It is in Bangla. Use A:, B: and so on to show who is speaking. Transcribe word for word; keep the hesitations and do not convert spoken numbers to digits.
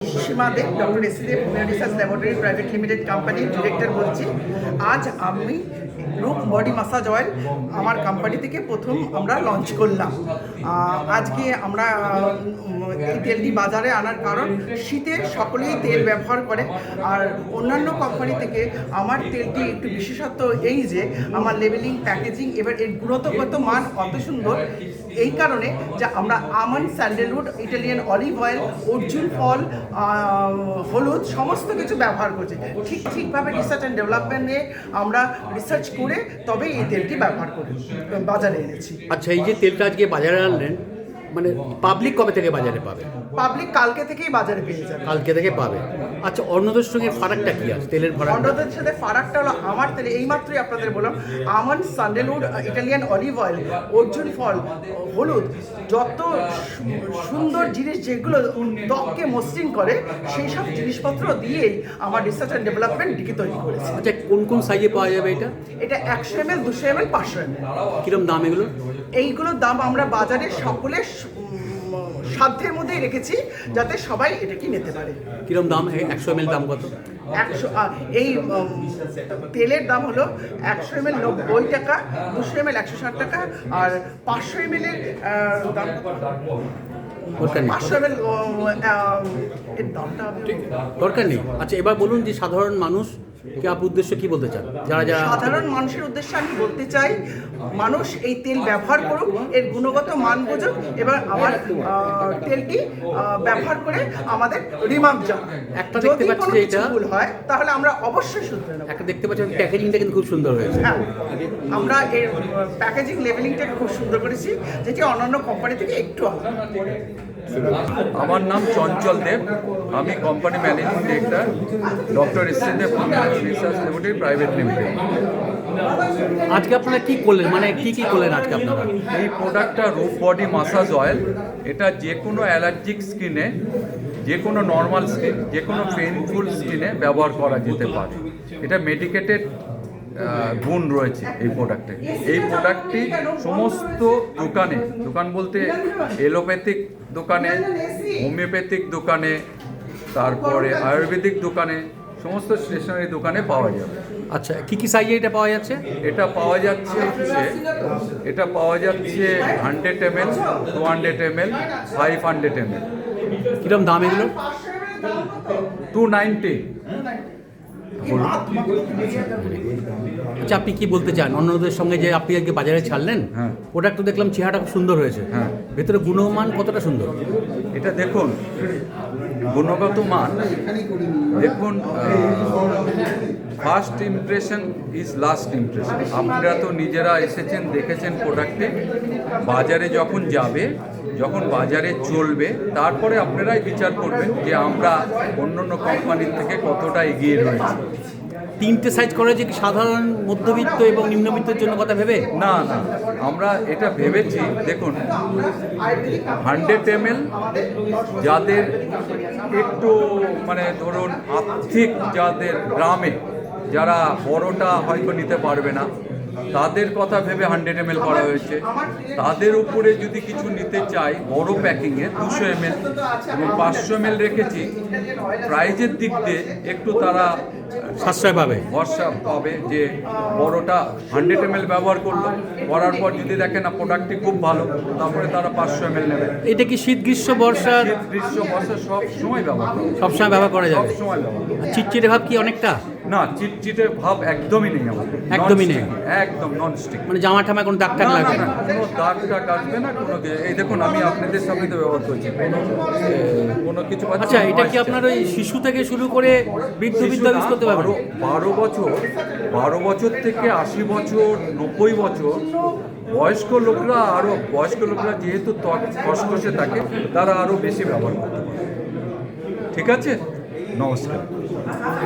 A: সীমা Deb, doctor S Deb research laboratory private limited কোম্পানির ডিরেক্টর বলছি। আজ আমি রূপ বডি মাসাজ অয়েল আমার কোম্পানি থেকে প্রথম আমরা লঞ্চ করলাম। আজকে আমরা এই তেলটি বাজারে আনার কারণ শীতে সকলেই তেল ব্যবহার করে, আর অন্যান্য কোম্পানি থেকে আমার তেলটি একটু বিশেষত্ব এই যে আমার লেবেলিং, প্যাকেজিং এবার এর গুণগত মান অত সুন্দর, এই কারণে যে আমরা almond, sandalwood, Italian olive oil, অর্জুন ফল, হলুদ সমস্ত কিছু ব্যবহার করছি। ঠিক ঠিকভাবে রিসার্চ অ্যান্ড ডেভেলপমেন্টে আমরা রিসার্চ করে তবে এই তেলটি ব্যবহার করে বাজারে এনেছি।
B: আচ্ছা, এই যে তেলটা আজকে বাজারে আনলেন, মানে পাবলিক কবে থেকে বাজারে পাবে?
A: পাবলিক কালকে থেকেই বাজারে পেয়ে যাবে।
B: কালকে থেকে পাবে। আচ্ছা, অন্যদের সঙ্গে ফারাকটা কি আছে তেলের ফারাক?
A: অন্যদের সাথে ফারাকটা হলো আমার তেলে এইমাত্রই আপনাদের বললাম almond, sandalwood, Italian olive oil, অর্জুন ফল, হলুদ, যত সুন্দর জিনিস যেগুলো ত্বককে মসৃণ করে সেই সব জিনিসপত্র দিয়েই আমার রিসার্চ অ্যান্ড ডেভেলপমেন্ট ডিকি তৈরি করেছে।
B: আচ্ছা, কোন কোন সাইজে পাওয়া যাবে এটা?
A: এটা একশো এম এল, দুশো এম এল, পাঁচশো এম এল।
B: কিরকম দাম এগুলো?
A: এইগুলোর দাম আমরা বাজারে সকলের সাধ্যের মধ্যেই রেখেছি যাতে সবাই এটা কি নিতে পারে।
B: কিরকম দাম? একশো এম এল দাম কত?
A: একশো এই তেলের দাম হলো একশো এম এল নব্বই টাকা, দুশো এম এল একশো ষাট টাকা, আর পাঁচশো এম এল এর দাম পাঁচশো এম এল এর দামটা
B: দরকার নেই। আচ্ছা, এবার বলুন যে সাধারণ মানুষ কে আপ উদ্দেশ্য কি বলতে চান? যারা যারা
A: সাধারণ মানুষের উদ্দেশ্যে আমি বলতে চাই, মানুষ এই তেল ব্যবহার করুক, এর গুণগত মান বুঝুক, এবং আমার তেলটি ব্যবহার করে আমাদের রিমার্ক যাক।
B: একটা দেখতে পাচ্ছি যে এটা
A: ভুল হয় তাহলে আমরা অবশ্যই শুধরে নেব।
B: একটা দেখতে পাচ্ছি প্যাকেজিংটা কিন্তু খুব সুন্দর হয়েছে।
A: হ্যাঁ, আমরা এর প্যাকেজিং লেভেলিংটাকে খুব সুন্দর করেছি, যেটি অন্যান্য কোম্পানি থেকে একটু আলাদা।
C: আমার নাম চঞ্চল দেব, আমি company managing director, doctor S Deb research laboratory private limited.
B: আজকে আপনারা কি করলেন, মানে কি কি করলেন আজকে আপনারা?
C: এই প্রোডাক্টটা রূপ বডি মাসাজ অয়েল, এটা যে কোনো অ্যালার্জিক স্কিনে, যে কোনো নর্মাল স্কিন, যে কোনো পেইনফুল স্কিনে ব্যবহার করা যেতে পারে। এটা মেডিকেটেড গুণ রয়েছে এই প্রোডাক্টে। এই প্রোডাক্টটি সমস্ত দোকানে, দোকান বলতে এলোপ্যাথিক দোকানে, হোমিওপ্যাথিক দোকানে, তারপরে আয়ুর্বেদিক দোকানে, সমস্ত স্টেশনারি দোকানে পাওয়া যাবে।
B: আচ্ছা, কি কি সাইজে এটা পাওয়া যাচ্ছে?
C: এটা পাওয়া যাচ্ছে হচ্ছে এটা পাওয়া যাচ্ছে hundred M L, two hundred M L, five hundred M L.
B: কিরকম দাম এগুলো?
C: Two ninety.
B: আচ্ছা, আপনি কি বলতে চান অন্যদের সঙ্গে যে আপনি আজকে বাজারে ছাড়লেন?
C: হ্যাঁ,
B: প্রোডাক্ট তো দেখলাম চেহারাটা খুব সুন্দর হয়েছে।
C: হ্যাঁ,
B: ভেতরে গুণমান কতটা সুন্দর?
C: এটা দেখুন গুণগত মান দেখুন। First impression is last impression. আপনারা তো নিজেরা এসেছেন, দেখেছেন প্রোডাক্টে। বাজারে যখন যাবে, যখন বাজারে চলবে, তারপরে আপনারাই বিচার করবেন যে আমরা অন্য অন্য কোম্পানির থেকে কতটা এগিয়ে রয়েছি।
B: তিনটে সাইজ করে যে সাধারণ, মধ্যবিত্ত এবং নিম্নবিত্তের জন্য কথা ভেবে?
C: না না, আমরা এটা ভেবেছি। দেখুন, হান্ড্রেড এম এল যাদের একটু মানে ধরুন আর্থিক, যাদের গ্রামে যারা বড়টা হয়তো নিতে পারবে না, তাদের কথা ভেবে হান্ড্রেড এম এল করা হয়েছে। তাদের উপরে যদি কিছু নিতে চাই বড় প্যাকিংয়ে, দুশো এম এল এবং পাঁচশো এম এল রেখেছি। প্রাইজের দিক দিয়ে একটু তারা
B: সাশ্রয় পাবে,
C: ভরসা পাবে যে বড়টা হান্ড্রেড এম এল ব্যবহার করলো, করার পর যদি দেখে না প্রোডাক্টটি খুব ভালো, তারপরে তারা পাঁচশো এম এল নেবে।
B: এটা কি শীত, গ্রীষ্ম, বর্ষা?
C: শীত, গ্রীষ্ম, বর্ষা সব সময় ব্যবহার করবে,
B: সবসময় ব্যবহার করা যাবে।
C: সব সময় ব্যবহার করবে।
B: চিটচিটে ভাব কি অনেকটা?
C: না, চিটচিটে ভাব একদমই নেই আমাদের,
B: একদমই নেই,
C: একদম নন স্টিক।
B: মানে জামা ঠামা কোনো দাগ টাগ লাগবে না?
C: কোনো দাগ টাগ আসবে না, কোনো। এই দেখুন, আমি আপনাদের সামনে তো ব্যবহার করছি, কোনো কোনো কিছু।
B: আচ্ছা, এটা কি আপনার ওই শিশু থেকে শুরু করে বৃদ্ধ বৃদ্ধ ইউজ করতে পারবে?
C: বারো বছর বারো বছর থেকে আশি বছর, নব্বই বছর বয়স্ক লোকরা, আরও বয়স্ক লোকরা যেহেতু ত্বক খসখসে থাকে, তারা আরও বেশি ব্যবহার করতে পারে। ঠিক আছে, নমস্কার।